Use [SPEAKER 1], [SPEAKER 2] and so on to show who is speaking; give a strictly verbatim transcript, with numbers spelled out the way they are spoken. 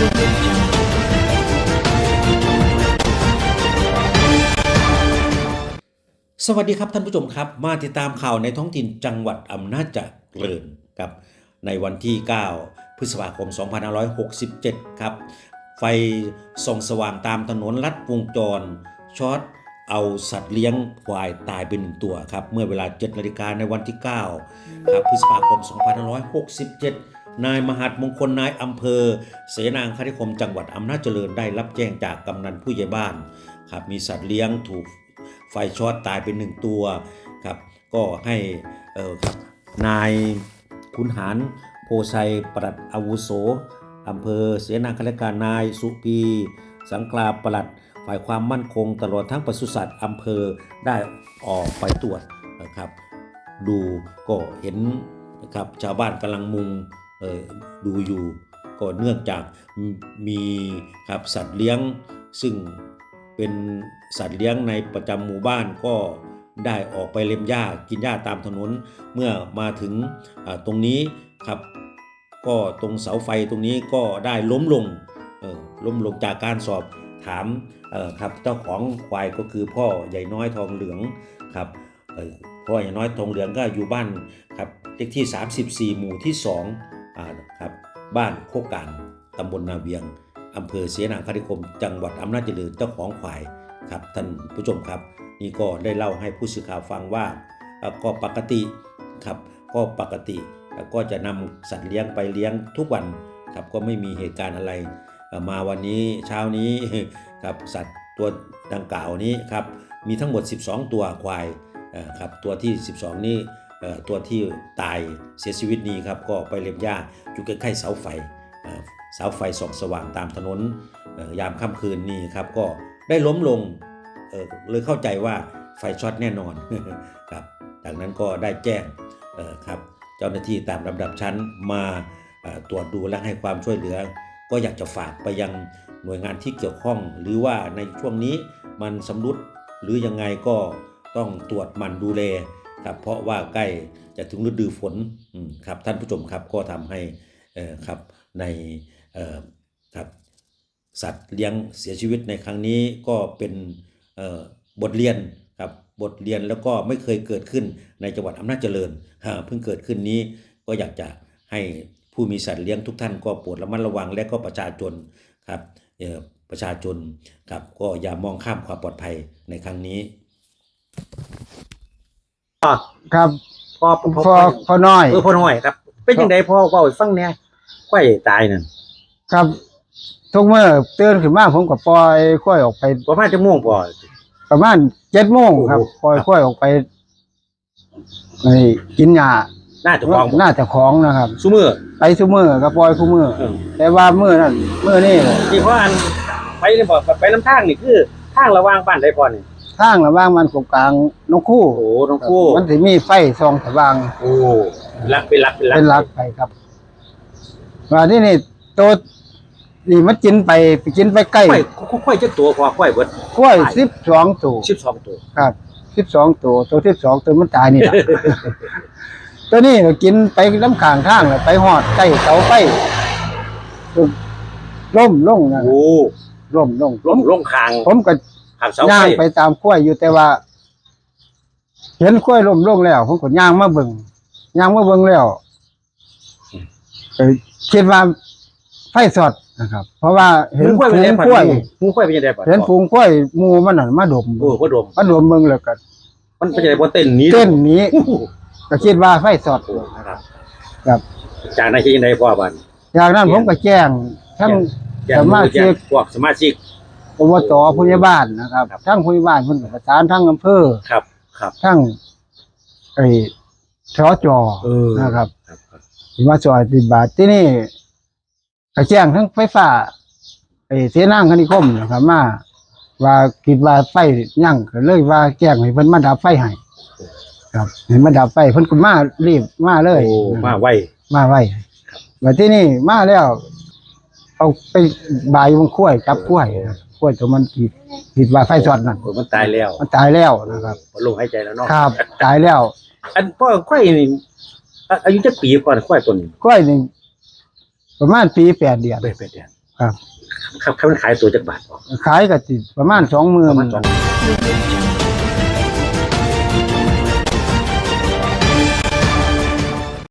[SPEAKER 1] สวัสดีครับท่านผู้ชมครับมาติดตามข่าวในท้องถิ่นจังหวัดอำนาจเจริญครับในวันที่เก้าพฤษภาคมสองพันห้าร้อยหกสิบเจ็ดครับไฟส่องสว่างตามถนนลัดวงจรช็อตเอาสัตว์เลี้ยงควายตายเป็นหนึ่งตัวครับเมื่อเวลาเจ็ดนาฬิกาในวันที่เก้าครับพฤษภาคมสองพันห้าร้อยหกสิบเจ็ดนายมหัสมงคลนายอำเภอเสนางคณิคมจังหวัดอำนาจเจริญได้รับแจ้งจากกำนันผู้ใหญ่บ้านครับมีสัตว์เลี้ยงถูกไฟช็อตตายเป็นหนึ่งตัวครับก็ให้เอ่อครับนายขุนหารโพไซปลัดอาวุโสอำเภอเสนาคณการนายสุพีสังกลาปลัดฝ่ายความมั่นคงตลอดทั้งปศุสัตว์อำเภอได้ออกไปตรวจนะครับดูก็เห็นนะครับชาวบ้านกำลังมุงเอ่อดูอยู่ก็เนื่องจากมีครับสัตว์เลี้ยงซึ่งเป็นสัตว์เลี้ยงในประจำหมู่บ้านก็ได้ออกไปเล็มหญ้ากินหญ้าตามถนนเมื่อมาถึงตรงนี้ครับก็ตรงเสาไฟตรงนี้ก็ได้ล้มลงล้มลงจากการสอบถามครับเจ้าของควายก็คือพ่อใหญ่น้อยทองเหลืองครับพ่อใหญ่น้อยทองเหลืองก็อยู่บ้านครับเลขที่สามสิบสี่หมู่ที่สองครับบ้านโคกลางตำบลนาเวียงอำเภอเสนาคณิคมจังหวัดอำนาจเจริญเจ้าของควายครับท่านผู้ชมครับนี่ก็ได้เล่าให้ผู้สื่อข่าวฟังว่าก็ปกติครับก็ปกติก็จะนำสัตว์เลี้ยงไปเลี้ยงทุกวันครับก็ไม่มีเหตุการณ์อะไรมาวันนี้เช้านี้ครับสัตว์ตัวดังกล่าวนี้ครับมีทั้งหมดสิบสองตัวควายครับตัวที่สิบสองนี้ตัวที่ตายเสียชีวิตนี้ครับก็ไปเล็มหญ้าอยู่ใกล้ๆเสาไฟเสาไฟส่องสว่างตามถนนยามค่ำคืนนี้ครับก็ได้ล้มลง เออเลยเข้าใจว่าไฟช็อตแน่นอนครับจากนั้นก็ได้แจ้งครับเจ้าหน้าที่ตามลำดับชั้นมาตรวจดูและให้ความช่วยเหลือก็อยากจะฝากไปยังหน่วยงานที่เกี่ยวข้องหรือว่าในช่วงนี้มันสำรุดหรือยังไงก็ต้องตรวจมันดูแลครับเพราะว่าใกล้จะถึงฤดูฝนครับท่านผู้ชมครับก็ทำให้ครับในครับสัตว์เลี้ยงเสียชีวิตในครั้งนี้ก็เป็นบทเรียนครับบทเรียนแล้วก็ไม่เคยเกิดขึ้นในจังหวัดอำนาจเจริญเพิ่งเกิดขึ้นนี้ก็อยากจะให้ผู้มีสัตว์เลี้ยงทุกท่านก็โปรดระมัดระวังและก็ประชาชนครับประชาชนครับก็อย่ามองข้ามความปลอดภัยในครั้งนี้
[SPEAKER 2] ครับ
[SPEAKER 3] พ่อ
[SPEAKER 2] พ่อพ่อน้อย
[SPEAKER 3] เออพ่อน้อยครับเป็นยังไงพ่อเว้าให้ฟังแหน่ควายตายนั่น
[SPEAKER 2] ครับทุกเมื่อตื่นขึ้นมาผมก็ปล่อยควายออกไป
[SPEAKER 3] ประมาณชั่วโมงพ่อ
[SPEAKER 2] ประมาณเจ็ดโมงครับปล่อยควายออกไปไอ้กินหญ้า
[SPEAKER 3] น่าจะของ
[SPEAKER 2] น่าจะของนะครับ
[SPEAKER 3] ซุมื้อ
[SPEAKER 2] ไปซุมื้อก็ปล่อยซุมื้อแต่ว่ามื้อนั้นมื้อนี้
[SPEAKER 3] ที่พ่ออันไปนี่บ่ไปลำทางนี่คือทางระหว่างบ้านใดพ่อนี่
[SPEAKER 2] ทางระหว่างมันกกลางนกคู่
[SPEAKER 3] โอ้นกคู่
[SPEAKER 2] มันสิมีไฟส่องสว่าง
[SPEAKER 3] โอ้ลักเป็นลักเป็นลัก
[SPEAKER 2] เป็นลักไปครับว่าที่นี่โตนี่มันกินไปไปกินไปใกล้
[SPEAKER 3] ควายควายจักตัวพ่อควายเบิด
[SPEAKER 2] ควายสิบสองตัว
[SPEAKER 3] สิบสองตัว
[SPEAKER 2] ครับสิบสองตัวตัวสิบสองตัวมันตายนี่ล่ะ ตัวนี้ก็กินไปน้ำข้างทางแล้วไปฮอดใกล้เสาไฟล้มลงนะ
[SPEAKER 3] โอ้
[SPEAKER 2] ล้มลง
[SPEAKER 3] ล้มลงข้าง
[SPEAKER 2] ผมก็
[SPEAKER 3] ข้างเสาไฟ
[SPEAKER 2] ย่างไปตามควายอยู่แต่ว่าเห็นควายล้มลงแล้วผมก็ย่างมาเบิ่งย่างมาเบิ่งแล้วก็คิดว่าไฟสอดนะครับเพราะว่าเห็นฝูงกล้วย
[SPEAKER 3] ฝูงกล้วยเป็นยังไงบ่
[SPEAKER 2] เห็นฝูงกล้วยหมู่มันน่ะมาดม
[SPEAKER 3] โอ้บ่ดม
[SPEAKER 2] มาดมเบิ่งแล้วก็
[SPEAKER 3] มันเป็นยังไงบ่เต้นหนี
[SPEAKER 2] เต้นหนีก็คิดว่าไฟสอด
[SPEAKER 3] ครับ
[SPEAKER 2] ครับ
[SPEAKER 3] จากนั้นคิดยังไงพ่อบัด
[SPEAKER 2] จากนั้นผมก็แจ้งทั้งสมาชิก
[SPEAKER 3] พวกสมาชิก
[SPEAKER 2] อบต.ผู้ใหญ่บ้านนะครับทั้งผู้ใหญ่บ้านเพิ่นก็ประสานทั้งอำเภอ
[SPEAKER 3] ครับครับ
[SPEAKER 2] ทั้งไอ้สจ.นะครับมาช่วยปฏิบัติที่นี่ก็แจ้งทั้งไฟฟ้าไอ้เสนาคณิคมนะครับมาว่าคิดว่าไฟยั่งก็เลยว่าแจ้งให้เพิ่นมาดับไฟให้ครับให้มาดับไฟเพิ่นก็มารีบมาเลย
[SPEAKER 3] โอ้มาไว
[SPEAKER 2] มาไวบัดที่นี่มาแล้วเอาไปบายมันคุ้ยจับคุ้ยคุ้ยตัวมันคิดคิดว่าไฟช็อตนั่น
[SPEAKER 3] มันตายแล้ว
[SPEAKER 2] มันตายแล้วนะครับ
[SPEAKER 3] บ่ลมหายใจแล้วเนาะ
[SPEAKER 2] ครับตายแล้ว
[SPEAKER 3] อันพ่อควายนี่อายุจักปีก่อนควายตัวนี้
[SPEAKER 2] ควายนี่ประมาณปีแปดเดือน
[SPEAKER 3] แปดเดือน
[SPEAKER 2] ครับ
[SPEAKER 3] ครับเขามันขายตัวจักบาทพอ
[SPEAKER 2] ขายก็สิประมาณสองหมื่
[SPEAKER 3] ป
[SPEAKER 2] น
[SPEAKER 3] ระมาณสอง